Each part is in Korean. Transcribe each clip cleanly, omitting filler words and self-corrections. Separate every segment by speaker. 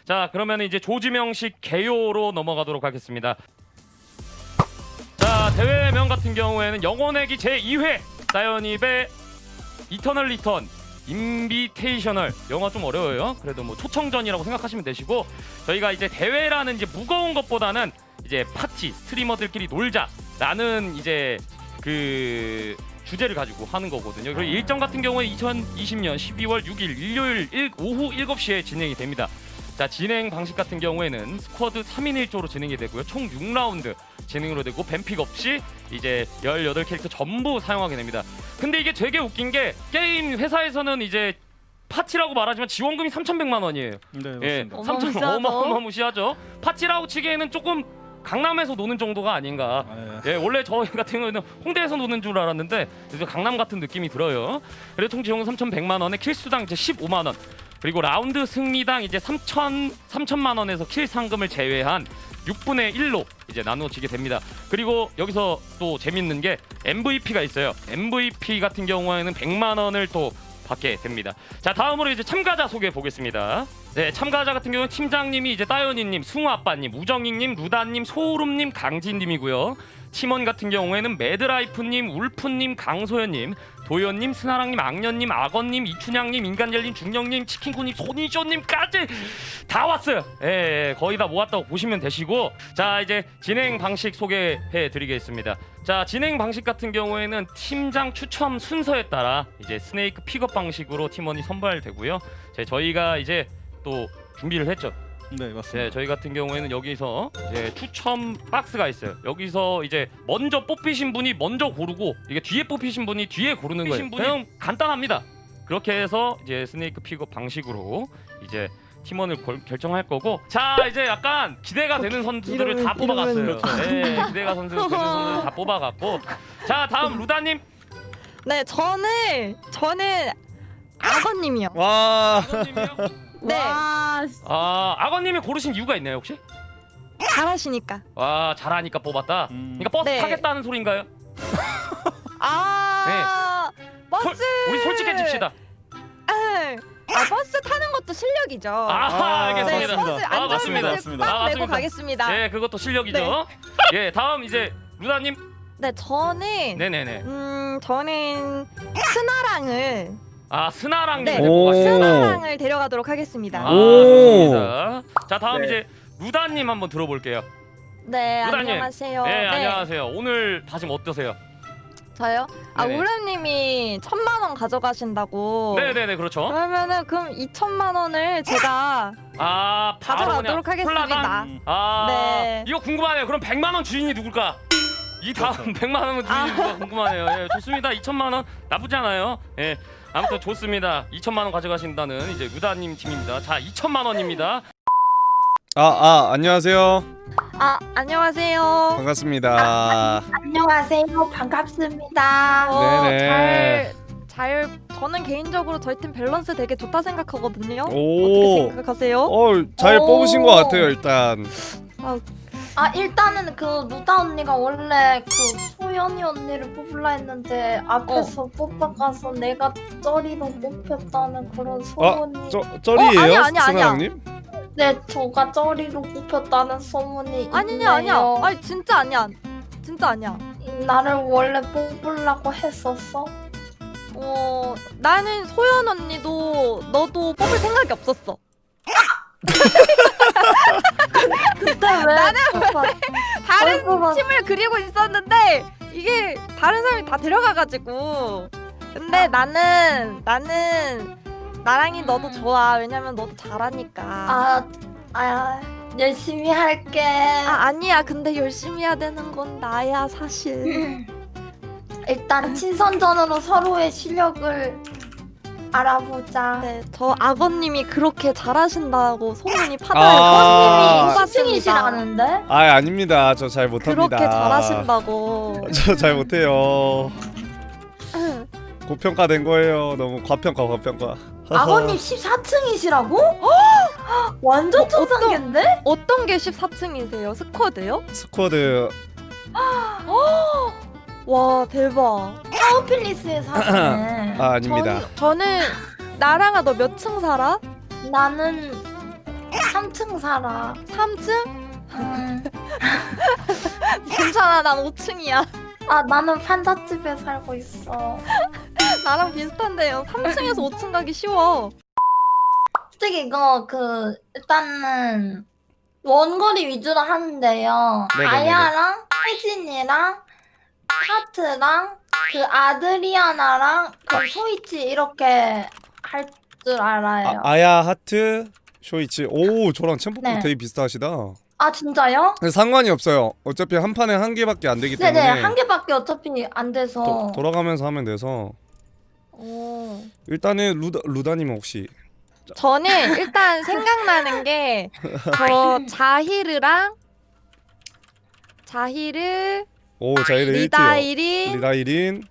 Speaker 1: 자, 그러면 이제 조지명식 개요로 넘어가도록 하겠습니다. 자, 대회명 같은 경우에는 영혼의기 제2회 사이언입의 이터널 리턴 인비테이셔널. 영어 좀 어려워요. 그래도 뭐 초청전이라고 생각하시면 되시고, 저희가 이제 대회라는 이제 무거운 것보다는 이제 파티 스트리머들끼리 놀자라는 이제 그 주제를 가지고 하는 거거든요. 그리고 일정 같은 경우에 2020년 12월 6일 일요일 오후 7시에 진행이 됩니다. 자, 진행 방식 같은 경우에는 스쿼드 3인 1조로 진행이 되고요. 총 6라운드 진행으로 되고 뱀픽 없이 이제 18캐릭터 전부 사용하게 됩니다. 근데 이게 되게 웃긴 게 게임 회사에서는 이제 파티라고 말하지만 지원금이 3,100만 원이에요.
Speaker 2: 네, 맞습니다.
Speaker 1: 3,000 어마무시하죠. 파티라고 치기에는 조금 강남에서 노는 정도가 아닌가. 예, 원래 저희 같은 경우는 홍대에서 노는 줄 알았는데 그래서 강남 같은 느낌이 들어요. 그래서 총 지원금 3,100만 원에 킬수당 이제 15만 원. 그리고 라운드 승리당 이제 3천만 원에서 킬 상금을 제외한 6분의 1로 이제 나누어지게 됩니다. 그리고 여기서 또 재밌는 게 MVP가 있어요. MVP 같은 경우에는 100만 원을 또 받게 됩니다. 자, 다음으로 이제 참가자 소개해 보겠습니다. 네, 참가자 같은 경우는 팀장님이 이제 따연이님, 승우아빠님, 우정익님, 루다님, 소울음님, 강진님이고요. 팀원 같은 경우에는 매드라이프님, 울프님, 강소연님, 도연님, 스나랑님, 악년님, 악언님, 이춘향님, 인간젤님, 중령님, 치킨코님, 손이쇼님까지 다 왔어요. 예, 거의 다 모았다고 보시면 되시고, 자, 이제 진행 방식 소개해 드리겠습니다. 자, 진행 방식 같은 경우에는 팀장 추첨 순서에 따라 이제 스네이크 픽업 방식으로 팀원이 선발되고요. 저희가 이제 또 준비를 했죠.
Speaker 2: 네, 맞습니다.
Speaker 1: 네, 저희 같은 경우에는 여기서 이제 추첨 박스가 있어요. 여기서 이제 먼저 뽑히신 분이 먼저 고르고, 이게 뒤에 뽑히신 분이 뒤에 고르는 거예요. 그냥 간단합니다. 그렇게 해서 이제 스네이크 픽업 방식으로 이제 팀원을 결정할 거고, 자, 이제 약간 기대가 되는 선수들을 다 뽑아갔어요. 네, 기대가 되는 선수들 다 뽑아갔고, 자, 다음 루다님.
Speaker 3: 네, 저는 악어님이요.
Speaker 2: 와,
Speaker 1: 악어님이요?
Speaker 3: 네,
Speaker 1: 아, 악어님이 고르신 이유가 있나요 혹시?
Speaker 3: 잘하시니까.
Speaker 1: 와, 잘하니까 뽑았다. 그러니까 버스
Speaker 3: 네.
Speaker 1: 타겠다는 소린가요?
Speaker 3: 버스.
Speaker 1: 우리 솔직해집시다.
Speaker 3: 버스 타는 것도 실력이죠.
Speaker 1: 알겠습니다.
Speaker 3: 네, 버스
Speaker 1: 맞습니다.
Speaker 3: 안전벨트
Speaker 1: 맞습니다.
Speaker 3: 딱
Speaker 1: 맞습니다.
Speaker 3: 매고 가겠습니다.
Speaker 1: 네, 그것도 실력이죠. 예, 다음 이제 루다님.
Speaker 3: 네, 저는
Speaker 1: 네네네.
Speaker 3: 저는 스나랑을
Speaker 1: 스나랑님
Speaker 3: 네,
Speaker 1: 데리고 가시죠.
Speaker 3: 스나랑을 데려가도록 하겠습니다.
Speaker 1: 좋습니다. 자, 다음
Speaker 4: 네.
Speaker 1: 이제 루다님 한번 들어볼게요.
Speaker 3: 네,
Speaker 1: 루다님.
Speaker 3: 안녕하세요.
Speaker 1: 네, 안녕하세요. 오늘 다짐 어떠세요?
Speaker 3: 저요?
Speaker 1: 네네.
Speaker 3: 우람님이 1,000만 원 가져가신다고.
Speaker 1: 네네네, 그렇죠.
Speaker 3: 그럼 2,000만 원을 제가
Speaker 1: 바로
Speaker 3: 가져가도록
Speaker 1: 그냥
Speaker 3: 하겠습니다.
Speaker 1: 콜라당?
Speaker 3: 네.
Speaker 1: 이거 궁금하네요. 그럼 100만 원 주인이 누굴까? 이 다음 100만 원 주인이 누가 궁금하네요. 예, 좋습니다. 2천만 원 나쁘지 않아요. 예, 아무튼 좋습니다. 2천만 원 가져가신다는 이제 루다님 팀입니다. 자, 2천만 원입니다.
Speaker 2: 안녕하세요.
Speaker 3: 안녕하세요.
Speaker 2: 반갑습니다.
Speaker 5: 안녕하세요. 반갑습니다.
Speaker 2: 네네.
Speaker 3: 저는 개인적으로 저희 팀 밸런스 되게 좋다 생각하거든요.
Speaker 2: 오.
Speaker 3: 어떻게 생각하세요?
Speaker 2: 잘
Speaker 5: 오.
Speaker 2: 뽑으신 것 같아요, 일단.
Speaker 5: 일단은 그 루다 언니가 원래 그 소연이 언니를 뽑으려 했는데 앞에서 뽑아가서 내가 쩌리로 뽑혔다는 그런 소문이.
Speaker 2: 쩌리예요,
Speaker 3: 아니야.
Speaker 2: 승아랑님?
Speaker 5: 네, 저가 쩌리로 뽑혔다는 소문이
Speaker 3: 아니야.
Speaker 5: 있네요.
Speaker 3: 아니 진짜 아니야. 진짜 아니야.
Speaker 5: 나를 원래 뽑으려고 했었어?
Speaker 3: 나는 소연 언니도 너도 뽑을 생각이 없었어.
Speaker 5: 근데 왜? 나는
Speaker 3: 다른 팀을 그리고 있었는데 이게 다른 사람이 다 데려가가지고. 근데 나는 나랑이 너도 좋아. 왜냐면 너도 잘하니까.
Speaker 5: 열심히 할게.
Speaker 3: 아니야. 근데 열심히 해야 되는 건 나야 사실.
Speaker 5: 일단 친선전으로 서로의 실력을 알아보자.
Speaker 3: 네, 저 악어님이 그렇게 잘하신다고 소문이 파다해서
Speaker 5: 악어님이 10층이시라는데?
Speaker 2: 아닙니다. 저 잘 못합니다.
Speaker 3: 그렇게 잘하신다고.
Speaker 2: 저 잘 못해요. 고평가된 거예요. 너무 과평가.
Speaker 5: 악어님 14층이시라고? 완전 천상계인데?
Speaker 3: 어떤 게 14층이세요? 스쿼드요?
Speaker 2: 스쿼드.
Speaker 3: 와 대박.
Speaker 5: 타워필리스에 사시네.
Speaker 2: 아닙니다.
Speaker 3: 저는 나랑아 너 몇 층 살아?
Speaker 5: 나는 3층 살아.
Speaker 3: 3층?
Speaker 5: 음.
Speaker 3: 괜찮아, 난 5층이야.
Speaker 5: 아 나는 판잣집에 살고 있어.
Speaker 3: 나랑 비슷한데요. 3층에서 5층 가기 쉬워.
Speaker 5: 솔직히 이거 일단은 원거리 위주로 하는데요.
Speaker 2: 네네네네.
Speaker 5: 아야랑 혜진이랑 하트랑 그 아드리아나랑 그 소이치 이렇게 할 줄 알아요.
Speaker 2: 아야 하트 쇼이치. 오 저랑 챔프도
Speaker 5: 네.
Speaker 2: 되게 비슷하시다.
Speaker 5: 아 진짜요?
Speaker 2: 근데 상관이 없어요. 어차피 한 판에 한 개밖에 안 되기 때문에
Speaker 5: 네네 한 개밖에 어차피 안 돼서.
Speaker 2: 돌아가면서 하면 돼서
Speaker 3: 오.
Speaker 2: 일단은 루다님은 혹시
Speaker 3: 저는 일단 생각나는 게 저 자히르,
Speaker 2: 오 자이를 1티요.
Speaker 3: 리다이린,
Speaker 2: 리다이린,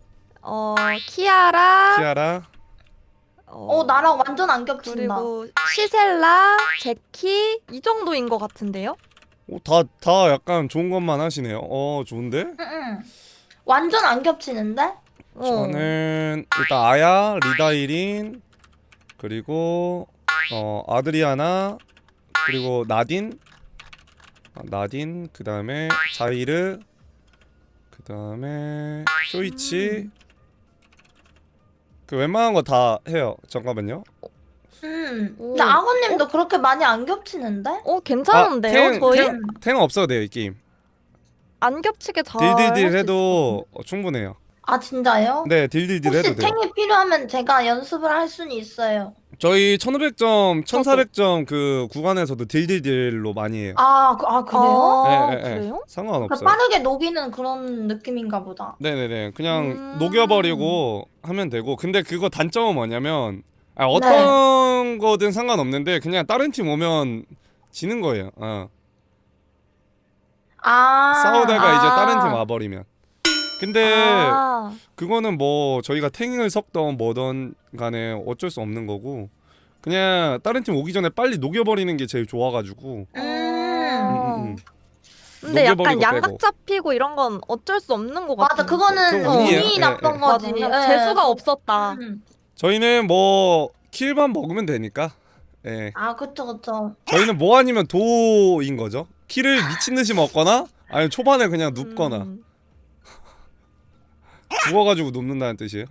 Speaker 3: 키아라,
Speaker 2: 키아라.
Speaker 5: 나랑 완전 안 겹친다.
Speaker 3: 그리고 시셀라, 제키 이 정도인 것 같은데요?
Speaker 2: 다 약간 좋은 것만 하시네요. 좋은데?
Speaker 5: 응. 완전 안 겹치는데?
Speaker 2: 저는 일단 아야, 리다이린, 그리고 아드리아나, 그리고 나딘, 그 다음에 자이르, 그 다음에 쇼이치. 그 웬만한 거 다 해요. 잠깐만요.
Speaker 5: 근데 아버님도 그렇게 많이 안 겹치는데?
Speaker 3: 괜찮은데요? 저희
Speaker 2: 탱 없어도 돼요 이 게임.
Speaker 3: 안 겹치게 잘
Speaker 2: 딜딜딜
Speaker 3: 할수
Speaker 2: 해도 충분해요.
Speaker 5: 아 진짜요?
Speaker 2: 네, 딜딜딜
Speaker 5: 혹시
Speaker 2: 해도 돼요.
Speaker 5: 탱이 필요하면 제가 연습을 할 수는 있어요.
Speaker 2: 저희 1500점, 1400점 그 구간에서도 딜딜딜로 많이 해요.
Speaker 5: 그래요?
Speaker 2: 네, 네, 네.
Speaker 3: 그래요?
Speaker 5: 그러니까
Speaker 2: 상관없어요.
Speaker 5: 빠르게 녹이는 그런 느낌인가 보다.
Speaker 2: 네네네. 그냥 녹여버리고 하면 되고. 근데 그거 단점은 뭐냐면
Speaker 5: 네.
Speaker 2: 어떤 거든 상관없는데 그냥 다른 팀 오면 지는 거예요. 싸우다가 이제 다른 팀 와버리면. 근데 그거는 뭐 저희가 탱을 섞던 뭐던 간에 어쩔 수 없는 거고 그냥 다른 팀 오기 전에 빨리 녹여버리는 게 제일 좋아가지고.
Speaker 3: 근데 약간
Speaker 2: 녹여버리고
Speaker 3: 양각
Speaker 2: 빼고.
Speaker 3: 잡히고 이런 건 어쩔 수 없는 것
Speaker 5: 맞아,
Speaker 3: 같아요.
Speaker 5: 그거는
Speaker 2: 그거 운이에요.
Speaker 5: 운이 나쁜
Speaker 2: 예.
Speaker 5: 거지.
Speaker 3: 맞아. 재수가 없었다.
Speaker 2: 저희는 뭐 킬만 먹으면 되니까. 예.
Speaker 5: 그쵸.
Speaker 2: 저희는 뭐 아니면 도인 거죠. 킬을 미친 듯이 먹거나 아니면 초반에 그냥 눕거나. 죽어가지고 눕는다는 뜻이에요.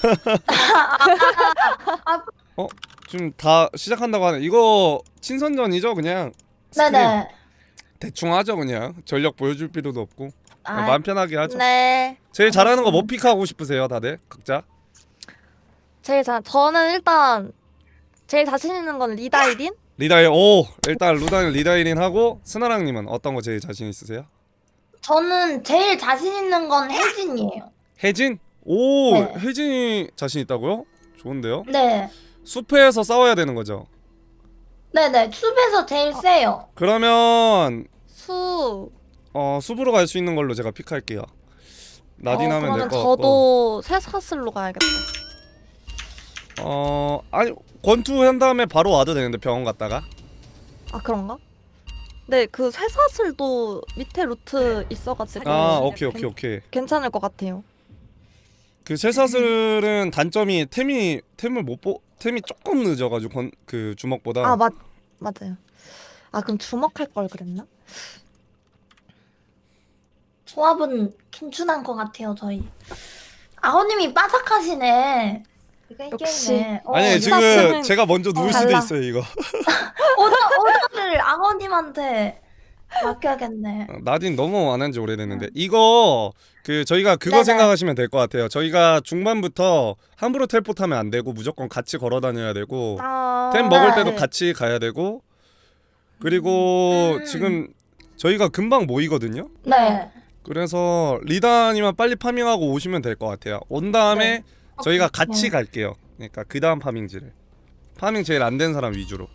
Speaker 2: 지금 다 시작한다고 하네. 이거 친선전이죠, 그냥. 스크림.
Speaker 5: 네네.
Speaker 2: 대충 하죠, 그냥. 전력 보여줄 필요도 없고. 그냥 마음 편하게 하죠.
Speaker 3: 네.
Speaker 2: 제일 잘하는 거 뭐 픽하고 싶으세요, 다들? 각자?
Speaker 3: 저는 일단 제일 자신 있는 건 리다이린?
Speaker 2: 일단 루다는 리다이린 하고 스나랑님은 어떤 거 제일 자신 있으세요?
Speaker 5: 저는 제일 자신 있는 건 혜진이에요.
Speaker 2: 혜진?
Speaker 5: 네.
Speaker 2: 혜진이 자신 있다고요? 좋은데요?
Speaker 5: 네.
Speaker 2: 숲에서 싸워야 되는 거죠.
Speaker 5: 네네. 숲에서 제일 세요.
Speaker 2: 그러면 숲으로 갈 수 있는 걸로 제가 픽할게요. 나딘 하면 될
Speaker 3: 그러면
Speaker 2: 것 같고.
Speaker 3: 저도 쇠사슬로 가야겠다.
Speaker 2: 아니 권투 한 다음에 바로 와도 되는데 병원 갔다가.
Speaker 3: 그런가? 네, 그 쇠사슬도 밑에 루트 있어가지고
Speaker 2: 오케이.
Speaker 3: 괜찮을 것 같아요.
Speaker 2: 그 쇠사슬은 단점이 템이 조금 늦어가지고 그 주먹보다.
Speaker 3: 맞아요. 그럼 주먹할 걸 그랬나?
Speaker 5: 조합은 괜찮은 것 같아요, 저희. 아버님이 빠삭하시네.
Speaker 3: 역시.
Speaker 5: 게임에.
Speaker 2: 아니 지금
Speaker 3: 쇠사슬은
Speaker 2: 제가 먼저 누울 수도
Speaker 3: 달라.
Speaker 2: 있어요 이거.
Speaker 5: 오더를 아버님한테 맡겨야겠네.
Speaker 2: 나딘 너무 안 한 지 오래됐는데 이거 그 저희가 그거
Speaker 5: 네네.
Speaker 2: 생각하시면 될 것 같아요. 저희가 중반부터 함부로 텔포타면 안 되고 무조건 같이 걸어 다녀야 되고 템 먹을 때도
Speaker 5: 네.
Speaker 2: 같이 가야 되고 그리고 지금 저희가 금방 모이거든요.
Speaker 5: 네.
Speaker 2: 그래서 리다님만 빨리 파밍하고 오시면 될 것 같아요. 온 다음에 저희가 같이
Speaker 5: 네.
Speaker 2: 갈게요. 그러니까 그 다음 파밍지를 파밍 제일 안 된 사람 위주로.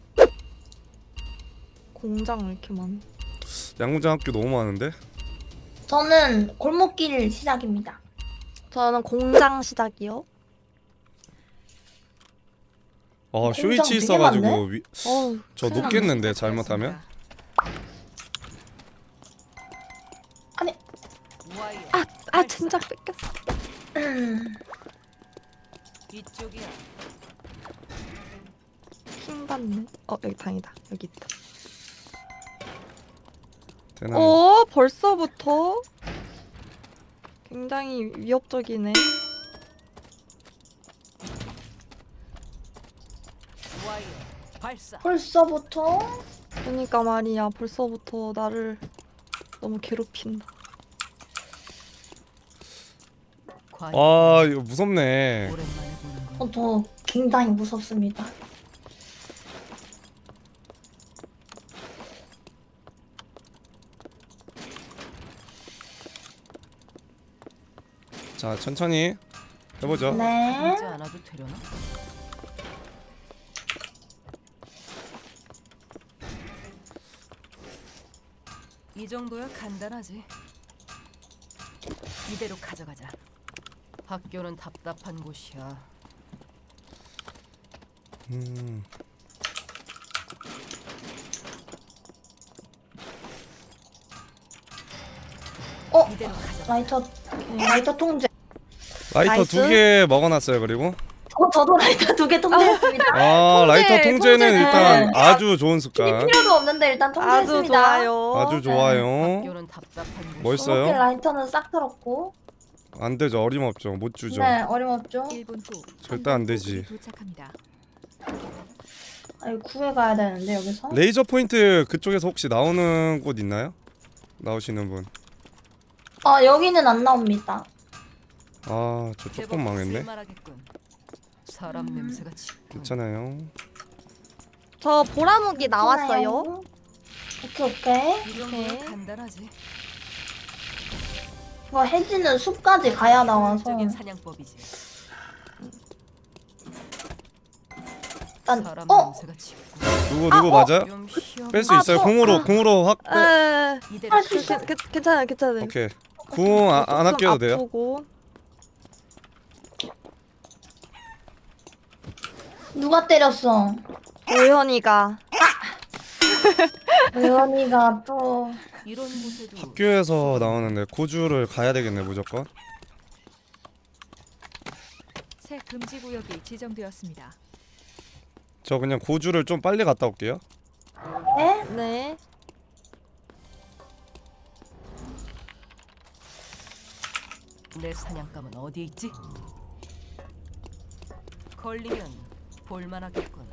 Speaker 3: 공장 왜 이렇게 많아?
Speaker 2: 양궁장 학교 너무 많은데.
Speaker 5: 저는 골목길 시작입니다.
Speaker 3: 저는 공장 시작이요.
Speaker 2: 쇼이치
Speaker 5: 되게
Speaker 2: 있어가지고
Speaker 5: 많네?
Speaker 2: 저
Speaker 3: 큰일
Speaker 2: 높겠는데 잘못하면.
Speaker 3: 아니, 진짜 뺏겼어.
Speaker 4: 이쪽이야.
Speaker 3: 킹 받네. 여기 방이다. 여기 있다.
Speaker 2: 되나?
Speaker 3: 벌써부터 굉장히 위협적이네.
Speaker 5: 벌써부터?
Speaker 3: 그러니까 말이야. 벌써부터 나를 너무 괴롭힌다.
Speaker 2: 아 이거 무섭네.
Speaker 5: 저 굉장히 무섭습니다.
Speaker 2: 자 천천히 해보죠.
Speaker 5: 네.
Speaker 4: 이제 안 와도 되려나? 이 정도야 간단하지. 이대로 가져가자. 학교는 답답한 곳이야. 이대로 가져가.
Speaker 5: 라이터 통제.
Speaker 2: 라이터
Speaker 3: 나이스.
Speaker 2: 2개 먹어놨어요. 그리고
Speaker 5: 저도 라이터 2개 통제했습니다.
Speaker 2: 아 라이터 통제는
Speaker 3: 통제는
Speaker 2: 일단 아주 좋은 습관.
Speaker 5: 필요도 없는데 일단
Speaker 3: 아주
Speaker 5: 통제했습니다.
Speaker 3: 좋아요.
Speaker 2: 아주 좋아요.
Speaker 4: 학교는 답답한 곳.
Speaker 2: 멋있어요.
Speaker 5: 이렇게 라이터는 싹 털었고.
Speaker 2: 안 되죠. 어림없죠. 못 주죠.
Speaker 5: 네, 어림없죠.
Speaker 6: 1분 후
Speaker 2: 절대 안 되지.
Speaker 6: 도착합니다.
Speaker 5: 아니 구해 가야 되는데 여기서.
Speaker 2: 레이저 포인트 그쪽에서 혹시 나오는 곳 있나요? 나오시는 분.
Speaker 5: 여기는 안 나옵니다.
Speaker 2: 아 저 조금 망했네.
Speaker 4: 쓸만하겠군. 사람 냄새가 짙군.
Speaker 2: 괜찮아요.
Speaker 3: 저 보라무기 나왔어요.
Speaker 5: 오케이.
Speaker 4: 이 정도야 간단하지.
Speaker 5: 이거 해지는 숲까지 가야 나와서
Speaker 4: 적인 사냥법이지.
Speaker 5: 일단
Speaker 4: 사람 냄새가 짙군.
Speaker 2: 누구 맞아요?
Speaker 4: 좀 쉬어.
Speaker 2: 뺄 수 있어요. 공으로 확 빼.
Speaker 4: 이대로
Speaker 5: 할 수 있어.
Speaker 3: 괜찮아요. 괜찮아요.
Speaker 2: 오케이. 궁 안 아껴도 돼요.
Speaker 3: 아프고.
Speaker 5: 누가 때렸어?
Speaker 3: 오현이가.
Speaker 5: 의원이가 또
Speaker 4: 이런 곳에도
Speaker 2: 학교에서 나오는데 고주를 가야 되겠네 무조건.
Speaker 6: 새 금지 구역이 지정되었습니다.
Speaker 2: 저 그냥 고주를 좀 빨리 갔다 올게요.
Speaker 5: 네?
Speaker 3: 네.
Speaker 4: 내 사냥감은 어디에 있지? 걸리면 볼만하겠군.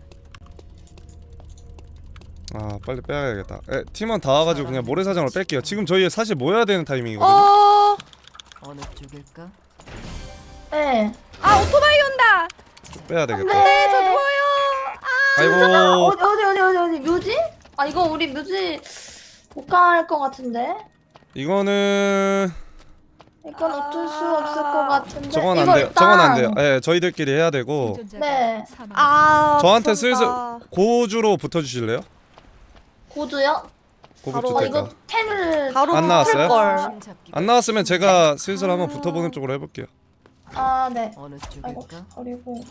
Speaker 2: 아 빨리 빼야겠다. 팀원 다 와가지고 그냥 모래사장으로 뺄게요. 지금 저희 사실 모여야 되는 타이밍이거든요.
Speaker 4: 어느 쪽일까?
Speaker 5: 네.
Speaker 3: 오토바이 온다.
Speaker 2: 빼야 되겠다.
Speaker 5: 네.
Speaker 3: 저 누워요.
Speaker 2: 아이고
Speaker 5: 어디 묘지? 이거 우리 묘지 못 갈 것 같은데.
Speaker 2: 이거는
Speaker 5: 이건 어쩔 수 없을 것 같은데.
Speaker 2: 저건 안
Speaker 5: 이거
Speaker 2: 돼요.
Speaker 5: 일단-
Speaker 2: 저건 안 돼요. 예, 저희들끼리 해야 되고
Speaker 6: 생존자가
Speaker 5: 네.
Speaker 6: 사망했습니다.
Speaker 2: 저한테
Speaker 3: 무섭다.
Speaker 2: 슬슬 고주로 붙어주실래요?
Speaker 5: 고주요?
Speaker 2: 고급
Speaker 3: 바로
Speaker 2: 주택가.
Speaker 5: 이거 펜을
Speaker 3: 바로
Speaker 2: 안 나왔어요?
Speaker 3: 걸.
Speaker 2: 안 나왔으면 제가 슬슬 한번 붙어보는 쪽으로 해볼게요.
Speaker 5: 네.
Speaker 4: 어느
Speaker 5: 아이고
Speaker 4: 쪽일까?
Speaker 5: 그리고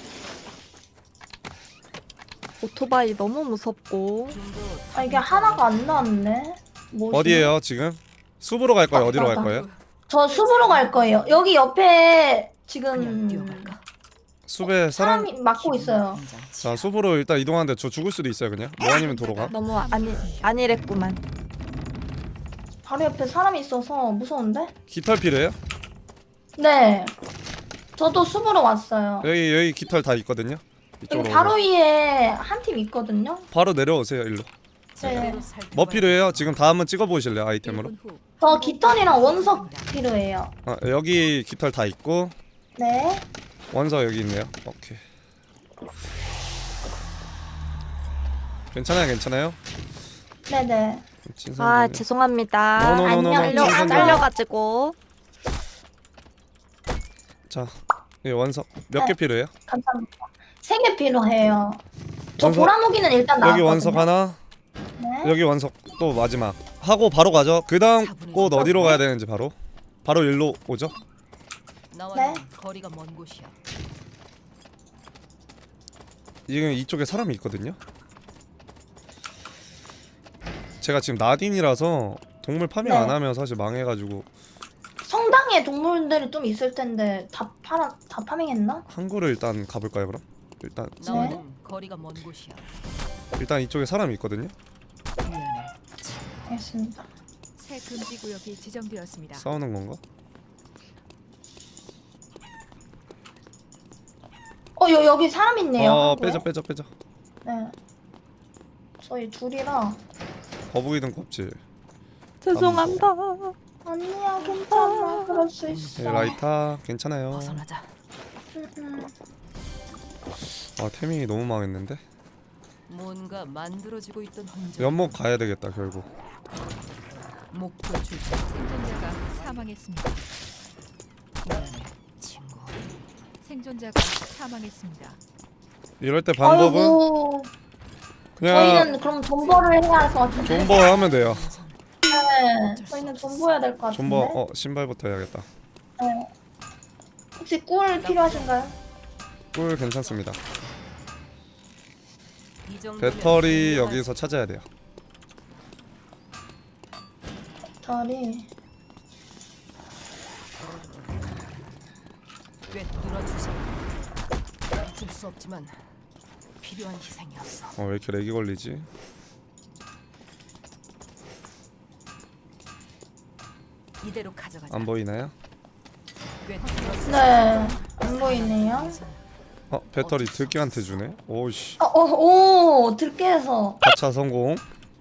Speaker 3: 오토바이 너무 무섭고.
Speaker 4: 좀더
Speaker 5: 이게 하나가 안 나왔네. 뭐지?
Speaker 2: 어디에요 지금? 숲으로 갈 거예요? 어디로 갈
Speaker 5: 맞다.
Speaker 2: 거예요?
Speaker 5: 저 숲으로 갈 거예요. 여기 옆에
Speaker 4: 그냥
Speaker 5: 지금
Speaker 4: 뛰어갈까?
Speaker 2: 숲에 사람.
Speaker 5: 사람이 막고 있어요.
Speaker 2: 자 숲으로 일단 이동하는데 저 죽을 수도 있어요 그냥. 뭐 아니면 도로 가.
Speaker 3: 너무 아니랬구만.
Speaker 5: 바로 옆에 사람이 있어서 무서운데?
Speaker 2: 깃털 필요해요?
Speaker 5: 네. 저도 숲으로 왔어요.
Speaker 2: 여기 깃털 다 있거든요.
Speaker 5: 여기
Speaker 2: 이쪽으로
Speaker 5: 바로
Speaker 2: 오세요.
Speaker 5: 위에 한 팀 있거든요.
Speaker 2: 바로 내려오세요 일로.
Speaker 5: 네.
Speaker 2: 뭐 필요해요? 지금 다 한번 찍어보실래요 아이템으로?
Speaker 6: 1분 후
Speaker 5: 저 깃털이랑 원석 필요해요.
Speaker 2: 여기 깃털 다 있고
Speaker 5: 네.
Speaker 2: 원서 여기 있네요. 오케이. 괜찮아요?
Speaker 5: 네네.
Speaker 3: 아 죄송합니다.
Speaker 2: 노노노노.
Speaker 5: 안녕.
Speaker 3: 잘려가지고.
Speaker 2: 자, 이 원석 몇 개 필요해요?
Speaker 5: 감사합니다. 3개 필요해요. 저
Speaker 2: 원석-
Speaker 5: 보라무기는 일단 나왔거든요.
Speaker 2: 여기 원석 하나,
Speaker 5: 네.
Speaker 2: 여기 원석 또 마지막 하고 바로 가죠. 그 다음 꽃 어디로 가야 되는지 바로 일로 오죠.
Speaker 4: 나와는
Speaker 5: 네.
Speaker 4: 거리가 먼 곳이야.
Speaker 2: 지금 이쪽에 사람이 있거든요. 제가 지금 나딘이라서 동물 파밍
Speaker 5: 네.
Speaker 2: 안 하면 사실 망해가지고
Speaker 5: 성당에 동물들이 좀 있을 텐데 다 파밍했나?
Speaker 2: 항구를 일단 가볼까요 그럼? 일단
Speaker 4: 나와는 거리가 먼 곳이야.
Speaker 2: 일단 이쪽에 사람이 있거든요.
Speaker 4: 미안해.
Speaker 5: 알겠습니다.
Speaker 6: 새 금지 구역이 지정되었습니다.
Speaker 2: 싸우는 건가?
Speaker 5: 여기 사람 있네요. 한국에.
Speaker 2: 빼자.
Speaker 5: 네. 저희 둘이라.
Speaker 2: 거북이 등 껍질.
Speaker 3: 죄송합니다.
Speaker 5: 아니야, 괜찮아. 그럴 수
Speaker 2: 네,
Speaker 5: 있어.
Speaker 2: 라이터 괜찮아요.
Speaker 4: 벗어나자.
Speaker 2: 아 태민이 너무 망했는데.
Speaker 4: 뭔가 만들어지고 있던 흔적.
Speaker 2: 연못 가야 되겠다 결국.
Speaker 4: 목표 출처.
Speaker 6: 생존자가 사망했습니다.
Speaker 4: 미안해, 친구.
Speaker 6: 생존자가 사망했습니다.
Speaker 2: 이럴 때 방법은
Speaker 5: 아이고,
Speaker 2: 그냥
Speaker 5: 저희는 그럼 존버를 해야 할 것 같은데.
Speaker 2: 존버 하면 돼요.
Speaker 5: 네, 저희는 존버해야 될 것 같은데.
Speaker 2: 존버 신발부터 해야겠다.
Speaker 5: 네. 혹시 꿀 필요하신가요?
Speaker 2: 꿀 괜찮습니다.
Speaker 4: 이 정도면
Speaker 2: 배터리
Speaker 4: 훌륭하지.
Speaker 2: 여기서 찾아야 돼요.
Speaker 5: 다리.
Speaker 4: 꿰뚫어 주자. 어쩔 수 없지만 필요한 희생이었어.
Speaker 2: 왜 이렇게 렉이 걸리지?
Speaker 4: 이대로 가져가자.
Speaker 2: 안 보이나요?
Speaker 4: 꿰뚫어
Speaker 5: 네, 안 보이네요.
Speaker 2: 배터리 들깨한테 주네. 오씨.
Speaker 5: 오, 들깨에서.
Speaker 2: 가차 성공.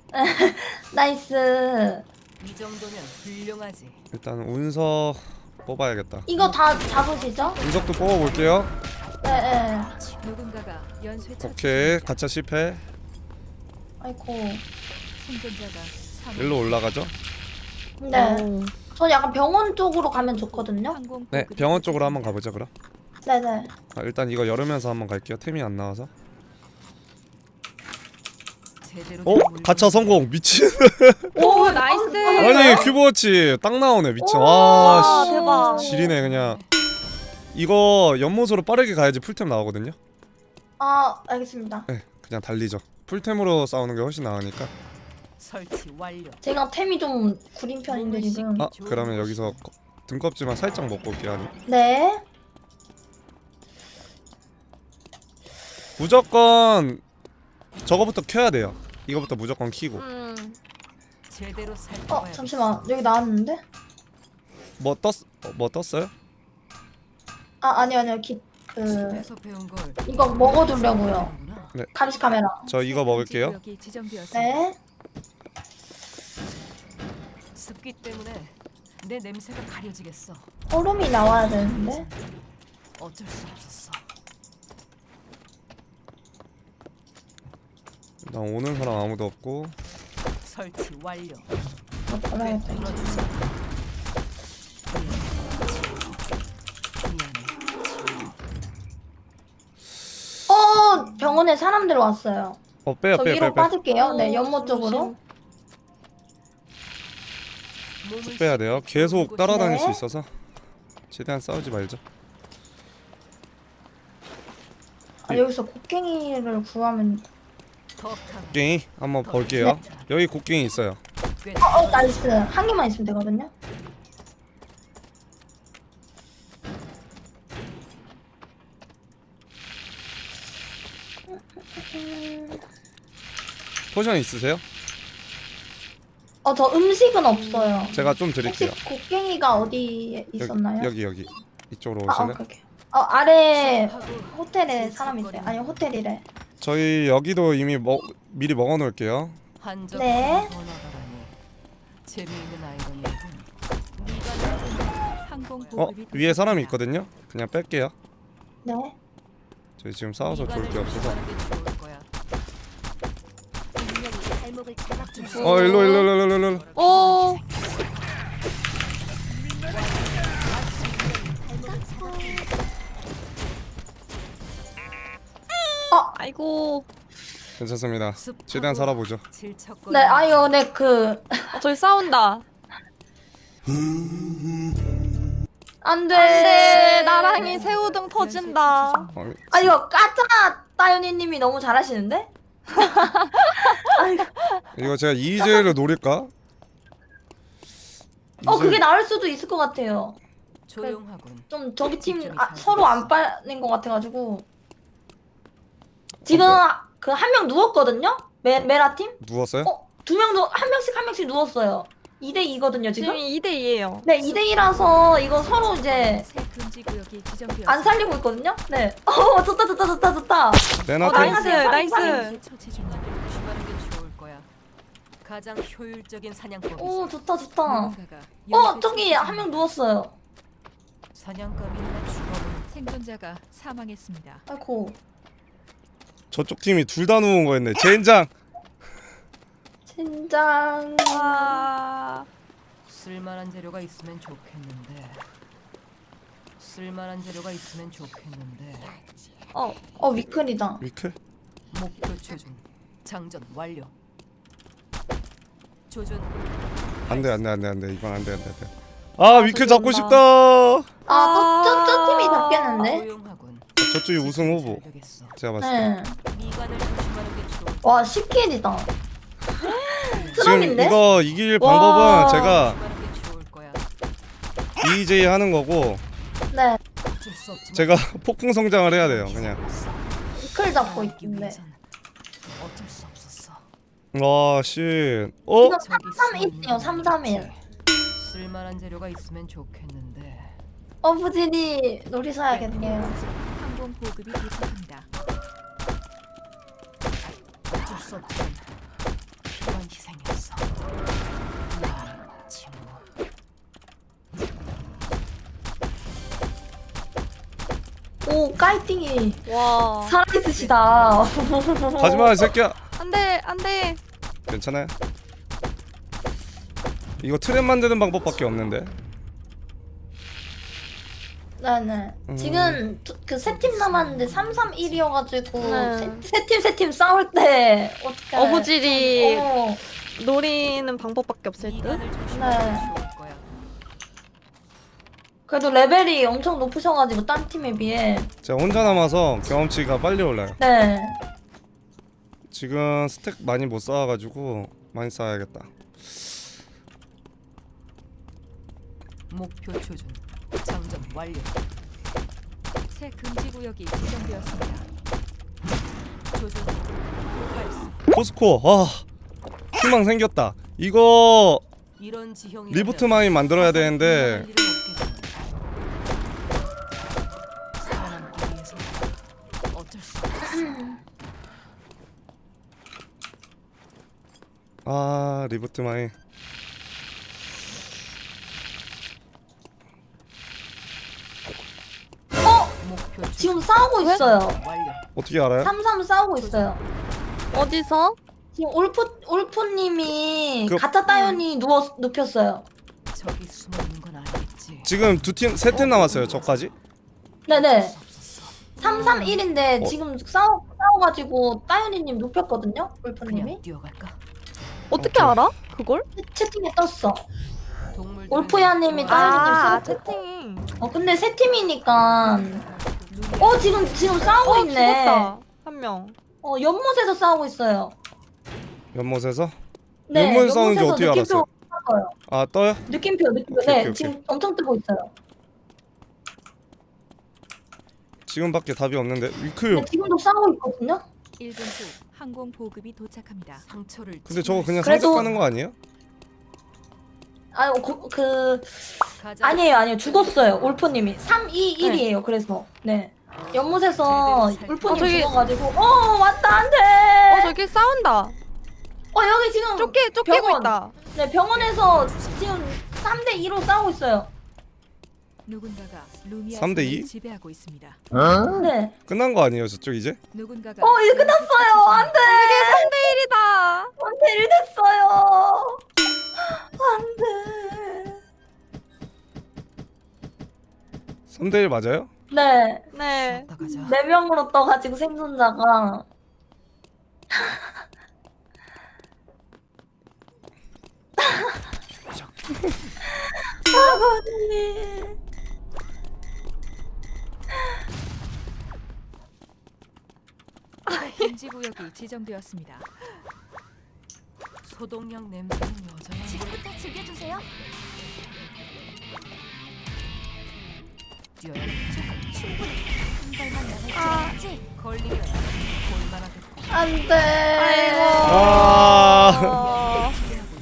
Speaker 5: 나이스.
Speaker 4: 이 정도면 훌륭하지.
Speaker 2: 일단 운석 뽑아야겠다.
Speaker 5: 이거 다 잡으시죠?
Speaker 2: 운석도 뽑아볼게요.
Speaker 5: 네.
Speaker 6: 누군가가 연쇄 처치.
Speaker 2: 오케이 가차 실패.
Speaker 5: 아이고.
Speaker 6: 생존자가 사망.
Speaker 2: 일로 올라가죠.
Speaker 5: 네. 저 약간 병원 쪽으로 가면 좋거든요.
Speaker 6: 항공
Speaker 2: 네
Speaker 6: 보급이
Speaker 2: 병원 쪽으로 한번 가보자 그럼.
Speaker 5: 네네.
Speaker 2: 일단 이거 열으면서 한번 갈게요. 템이 안 나와서.
Speaker 4: 제대로
Speaker 2: 가차 성공. 미친.
Speaker 3: 오 나이스.
Speaker 2: 아니 큐브워치 딱 나오네. 미친.
Speaker 3: 와
Speaker 2: 와
Speaker 3: 대박.
Speaker 2: 씨. 지리네 그냥. 이거 연못으로 빠르게 가야지 풀템 나오거든요.
Speaker 5: 아, 알겠습니다.
Speaker 2: 네 그냥 달리죠. 풀템으로 싸우는 게 훨씬 나으니까.
Speaker 4: 설치 완료.
Speaker 5: 제가 템이 좀 구린 편인데 지금.
Speaker 2: 그러면 여기서 등껍질만 살짝 먹고 올게요. 아니.
Speaker 5: 네.
Speaker 2: 무조건 저거부터 켜야 돼요. 이거부터 무조건 키고.
Speaker 4: 제대로 살펴봐야.
Speaker 5: 잠시만. 여기 나왔는데?
Speaker 2: 뭐 떴어요?
Speaker 5: 아니요.
Speaker 4: 집에서 배운 걸
Speaker 5: 이거 먹어두려고요.
Speaker 4: 하는구나.
Speaker 2: 네.
Speaker 5: 감시 카메라.
Speaker 2: 저 이거 먹을게요.
Speaker 6: 구역이 지정되었습니다.
Speaker 5: 네.
Speaker 4: 습기 때문에 내 냄새가 가려지겠어.
Speaker 5: 얼음이 나와야 되는데.
Speaker 4: 어쩔 수 없었어.
Speaker 2: 나 오는 사람 아무도 없고.
Speaker 4: 설치 완료.
Speaker 5: 버려야겠다. 이제.
Speaker 4: 뚫어주자.
Speaker 5: 병원에 사람들 왔어요.
Speaker 2: 빼요
Speaker 5: 저
Speaker 2: 빼요
Speaker 5: 위로
Speaker 2: 빼요.
Speaker 5: 빠질게요. 네, 연못 쪽으로.
Speaker 2: 쭉 빼야 돼요. 계속 따라다닐 수
Speaker 5: 네.
Speaker 2: 있어서 최대한 싸우지 말죠.
Speaker 5: 여기서 곡괭이를 구하면.
Speaker 2: 곡괭이 한번 볼게요. 여기 곡괭이 있어요.
Speaker 5: 나이스. 한 개만 있으면 되거든요.
Speaker 2: 포션 있으세요?
Speaker 5: 저 음식은 없어요.
Speaker 2: 제가 좀
Speaker 5: 혹시
Speaker 2: 드릴게요.
Speaker 5: 곡괭이가 어디에 있었나요?
Speaker 2: 여기 이쪽으로 오실래요?
Speaker 5: 오케이. 아래 호텔에 사람 있어요. 아니 호텔이래.
Speaker 2: 저희 여기도 이미 미리 먹어놓을게요.
Speaker 5: 네.
Speaker 4: 재미있는 아이러니군.
Speaker 6: 항공 보급이
Speaker 2: 위에 사람이 있거든요. 그냥 뺄게요.
Speaker 5: 네.
Speaker 2: 저희 지금 싸워서 좋을 게 없어서. 일로.
Speaker 3: 오. 아이고.
Speaker 2: 괜찮습니다. 최대한 살아보죠.
Speaker 5: 네, 아유, 네,
Speaker 3: 저기 싸운다.
Speaker 5: 안 돼.
Speaker 3: 안돼. 나랑이 새우등 터진다.
Speaker 5: 이거 까짜 따윤이님이 너무 잘하시는데?
Speaker 2: 이거 제가 이즈를 노릴까?
Speaker 5: 그게 나을 수도 있을 것 같아요.
Speaker 4: 조용하군.
Speaker 5: 좀 저기 팀 서로 안 빠는 것 같아가지고. 지금 그 한 명 누웠거든요? 메라 팀?
Speaker 2: 누웠어요?
Speaker 5: 두 명 한 명씩 누웠어요. 2대2거든요 지금?
Speaker 3: 지금 2대2예요.
Speaker 5: 네 2대2라서 이거 서로 이제
Speaker 6: 새 금지 구역이 지정되었습니다.
Speaker 5: 안 살리고 있거든요? 네. 좋다.
Speaker 2: 내놔.
Speaker 3: 나이스, 나이스.
Speaker 6: 새 처치 중.
Speaker 4: 조심하는 게 좋을 거야. 가장 효율적인 사냥법이지.
Speaker 5: 오 좋다.
Speaker 6: 누군가가
Speaker 5: 저기
Speaker 6: 연쇄
Speaker 5: 한 명 누웠어요.
Speaker 4: 사냥감이 하나 죽어버린
Speaker 6: 생존자가 사망했습니다.
Speaker 5: 아이고.
Speaker 2: 저쪽 팀이 둘 다 누운 거였네. 젠장.
Speaker 5: 젠장.
Speaker 3: 아,
Speaker 4: 쓸만한 재료가 있으면 좋겠는데.
Speaker 5: 위클이다.
Speaker 2: 위클?
Speaker 4: 목표 조준. 장전 완료. 조준.
Speaker 2: 안돼 이건 안돼. 아 위클 잡고
Speaker 3: 저기
Speaker 2: 싶다.
Speaker 5: 저 팀이 잡겠는데?
Speaker 4: 조용하군.
Speaker 2: 저쪽이 우승 후보.
Speaker 4: 잘 되겠어.
Speaker 2: 제가 봤을 때.
Speaker 5: 네.
Speaker 4: 미간을 조심하는 게 좋을
Speaker 5: 와 10킬이다.
Speaker 2: 지금
Speaker 5: 트럼인데?
Speaker 2: 이거 이길
Speaker 5: 와.
Speaker 2: 방법은 제가
Speaker 4: 조심하는 게 좋을 거야.
Speaker 2: EJ 하는 거고
Speaker 5: 네.
Speaker 4: 어쩔 수 없지만
Speaker 2: 제가 폭풍 성장을 해야 돼요. 그냥.
Speaker 5: 위클 잡고
Speaker 4: 살아남기
Speaker 5: 있는데.
Speaker 4: 위해선 어쩔 수 없었어.
Speaker 2: 와 씨.
Speaker 5: 이거
Speaker 4: 저기
Speaker 5: 331이요 331.
Speaker 4: 쓸만한 재료가 있으면 좋겠는데.
Speaker 5: 부진이 놀이 사야겠네요.
Speaker 6: 항공 보급이 도착합니다.
Speaker 4: 어쩔 수 없지만 필요한 희생이었어. 나 친구.
Speaker 5: 오 까이팅이
Speaker 3: 와.
Speaker 5: 살아있으시다.
Speaker 2: 가지마 이 새끼야.
Speaker 3: 안돼.
Speaker 2: 괜찮아요? 이거 트랩 만드는 방법밖에 없는데.
Speaker 5: 네네. 지금 그 세 팀 남았는데 331이어가지고
Speaker 3: 네.
Speaker 5: 세 팀 싸울 때 어떻게?
Speaker 3: 어부질이
Speaker 5: 어,
Speaker 3: 노리는 방법밖에 없을 듯.
Speaker 4: 미간을 조심하는
Speaker 5: 네.
Speaker 4: 게 좋을 거야.
Speaker 5: 그래도 레벨이 엄청 높으셔가지고 딴 팀에 비해.
Speaker 2: 제가 혼자 남아서 경험치가 빨리 올라요.
Speaker 5: 네.
Speaker 2: 지금 스택 많이 못 쌓아가지고 많이 쌓아야겠다.
Speaker 4: 목표 조준. 장전 완료.
Speaker 6: 새 금지 구역이 지정되었습니다.
Speaker 4: 조준. 발사.
Speaker 2: 포스코 희망 생겼다. 이거
Speaker 4: 이런 지형이
Speaker 2: 리부트 마인 만들어야 되는데
Speaker 4: 살아남기 위해서 어쩔 수 없어.
Speaker 2: 리부트 마인.
Speaker 4: 목표 조준.
Speaker 5: 지금 싸우고 있어요.
Speaker 4: 완료.
Speaker 2: 어떻게 알아요?
Speaker 5: 3-3 싸우고 있어요.
Speaker 3: 어디서?
Speaker 5: 지금 올프님이
Speaker 2: 그-
Speaker 5: 가짜 따연이 눕혔어요.
Speaker 4: 저기 숨어 있는 건 아니겠지.
Speaker 2: 지금 세 팀 남았어요. 저까지.
Speaker 5: 네네. 3-3-1인데
Speaker 2: 어.
Speaker 5: 지금 싸워가지고 따연이님 눕혔거든요. 올프님이.
Speaker 4: 그냥 뛰어갈까?
Speaker 3: 어떻게 알아? 그걸?
Speaker 5: 채팅에 떴어.
Speaker 4: 동물들은
Speaker 5: 올프야님이
Speaker 3: 아,
Speaker 5: 따연이님 쓰고.
Speaker 3: 채팅.
Speaker 5: 근데 세 팀이니까. 지금 싸우고 있네.
Speaker 3: 죽었다. 한 명.
Speaker 5: 연못에서 싸우고 있어요.
Speaker 2: 연못에서?
Speaker 5: 네,
Speaker 2: 연못 싸우는지
Speaker 5: 연못에서
Speaker 2: 어떻게 알았어요?
Speaker 5: 떠요.
Speaker 2: 떠요?
Speaker 5: 느낌표.
Speaker 2: 오케이,
Speaker 5: 네,
Speaker 2: 오케이.
Speaker 5: 지금 엄청 뜨고 있어요.
Speaker 2: 지금밖에 답이 없는데 위클.
Speaker 5: 근데 지금도 싸우고 있거든요.
Speaker 6: 1분 후 항공 보급이 도착합니다.
Speaker 4: 상처를
Speaker 2: 근데 저거 그냥
Speaker 5: 그래도-
Speaker 2: 상적 가는 거 아니에요?
Speaker 5: 아니에요. 죽었어요. 올프님이 3-2-1이에요. 그래서 네. 연못에서 올프님
Speaker 3: 저기-
Speaker 5: 죽어가지고 왔다 안돼.
Speaker 3: 저기 싸운다.
Speaker 5: 여기 지금
Speaker 3: 쫓기고
Speaker 5: 병원.
Speaker 3: 있다.
Speaker 5: 네 병원에서 지금 3-2로 싸우고 있어요.
Speaker 6: 누군가가 루미아
Speaker 2: 3대 2?
Speaker 6: 섬을 지배하고 있습니다.
Speaker 5: 네.
Speaker 2: 끝난 거 아니에요 저쪽 이제?
Speaker 6: 누군가가
Speaker 5: 이제 끝났어요. 안돼.
Speaker 3: 3대1이다.
Speaker 5: 안돼 1 됐어요. 안돼.
Speaker 2: 3대1 맞아요?
Speaker 5: 네.
Speaker 3: 네.
Speaker 4: 나가자.
Speaker 5: 4명으로 떠가지고 생존자가 아버님.
Speaker 6: 금지 구역이 지정되었습니다.
Speaker 4: 소독약 냄새는 여전히.
Speaker 7: 지금부터 즐겨주세요.
Speaker 4: 뛰어야 돼.
Speaker 7: 충분히
Speaker 4: 걸리면 볼만하겠고.
Speaker 5: 안돼.
Speaker 3: 아이고.
Speaker 2: 아,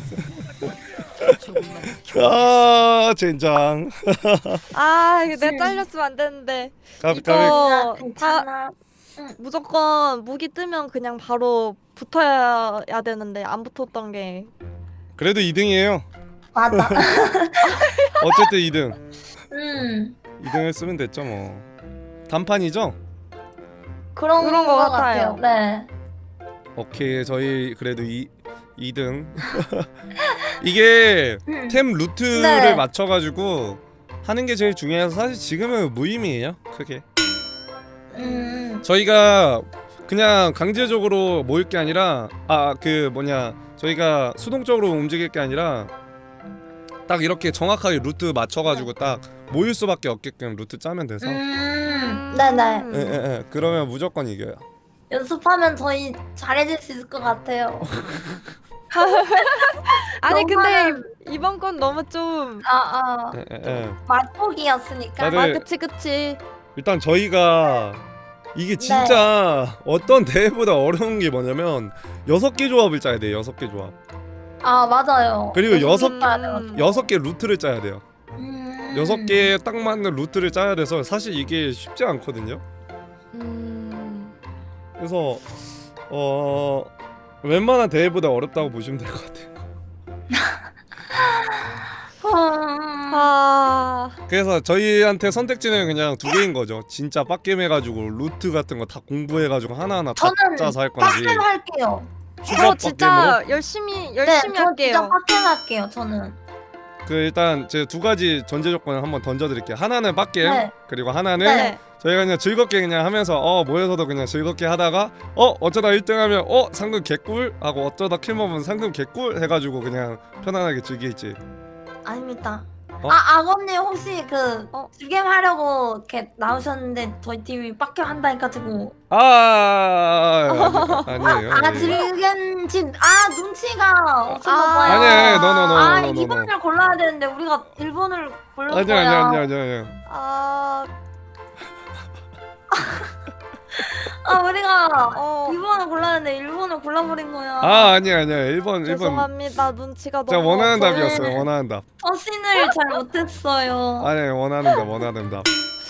Speaker 4: 조금만
Speaker 2: 아 젠장.
Speaker 3: 아 이거 내가 잘렸으면 안 되는데.
Speaker 2: 까비.
Speaker 3: 이거 다
Speaker 5: 괜찮아.
Speaker 3: 무조건 무기 뜨면 그냥 바로 붙어야 되는데 안 붙었던 게.
Speaker 2: 그래도 2등이에요.
Speaker 5: 맞아.
Speaker 2: 어쨌든 2등. 2등 했으면 됐죠 뭐. 단판이죠?
Speaker 5: 그런
Speaker 3: 거
Speaker 5: 거
Speaker 3: 같아요.
Speaker 5: 같아요. 네.
Speaker 2: 오케이 저희 그래도 2등. 이게 템 루트를
Speaker 5: 네.
Speaker 2: 맞춰가지고 하는 게 제일 중요해서 사실 지금은 무의미해요 크게. 저희가 그냥 강제적으로 모일 게 아니라 저희가 수동적으로 움직일 게 아니라 딱 이렇게 정확하게 루트 맞춰가지고 딱 모일 수밖에 없게끔 루트 짜면 돼서
Speaker 5: 네네.
Speaker 2: 예. 그러면 무조건 이겨요.
Speaker 5: 연습하면 저희 잘해질 수 있을 것 같아요.
Speaker 3: 아니 근데
Speaker 5: 너무나는-
Speaker 3: 이번 건 너무 좀.
Speaker 2: 예.
Speaker 5: 맛보기였으니까.
Speaker 2: 다들-
Speaker 3: 아 그치.
Speaker 2: 일단 저희가 이게 진짜 어떤 대회보다 어려운 게 뭐냐면 6개 조합을 짜야 돼요. 6개 조합.
Speaker 5: 아 맞아요.
Speaker 2: 그리고 여섯-
Speaker 5: 음.
Speaker 2: 6개 루트를 짜야 돼요. 6개에 딱 맞는 루트를 짜야 돼서 사실 이게 쉽지 않거든요. 그래서 웬만한 대회보다 어렵다고 보시면 될 것 같아요.
Speaker 3: 아
Speaker 2: 그래서 저희한테 선택지는 그냥 2개인 거죠. 진짜 빡겜 해가지고 루트 같은 거 다 공부해가지고 하나하나 다
Speaker 5: 저는
Speaker 2: 짜서 할 건지
Speaker 5: 빡겜 할게요.
Speaker 2: 슈퍼
Speaker 3: 저
Speaker 2: 빡겜으로.
Speaker 3: 진짜 열심히
Speaker 5: 네, 저 진짜
Speaker 3: 할게요.
Speaker 5: 빡겜 할게요. 저는.
Speaker 2: 그 일단 제 2가지 전제 조건을 한번 던져드릴게요. 하나는 빡겜
Speaker 5: 네.
Speaker 2: 그리고 하나는
Speaker 5: 네.
Speaker 2: 저희가 그냥 즐겁게 그냥 하면서 모여서도 그냥 즐겁게 하다가 어쩌다 1등하면 상금 개꿀 하고 어쩌다 킬 먹으면 상금 개꿀 해가지고 그냥 편안하게 즐길지.
Speaker 5: 아닙니다.
Speaker 2: 어?
Speaker 5: 아버님 혹시 그 즐겜 하려고 이렇게 나오셨는데 저희 팀이 빡겜 한다니까 지고.
Speaker 2: 아니에요.
Speaker 5: 즐겜 눈치가 없었나 봐요.
Speaker 2: 아니에요. no.
Speaker 5: 2번을 골라야 되는데 우리가 1번을 고른
Speaker 2: 아니요.
Speaker 5: 거야. 우리가 2번을 골랐는데 1번을 골라버린 거야.
Speaker 2: 아니야. 1번.
Speaker 3: 죄송합니다. 눈치가
Speaker 2: 제가
Speaker 3: 너무
Speaker 2: 원하는
Speaker 3: 없어요.
Speaker 2: 답이었어요. 원하는 답.
Speaker 5: 서신을 잘 못했어요.
Speaker 2: 아니 원하는 답.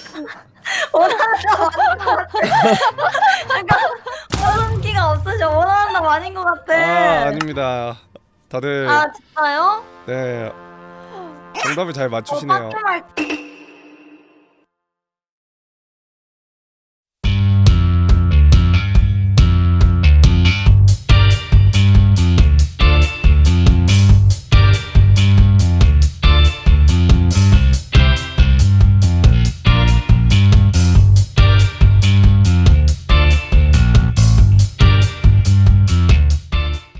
Speaker 5: 원한기가 없으셔. 원하는 답 아닌 것 같아.
Speaker 2: 아닙니다. 다들
Speaker 5: 진짜요?
Speaker 2: 네 정답을 잘 맞추시네요.
Speaker 5: 빡겜 할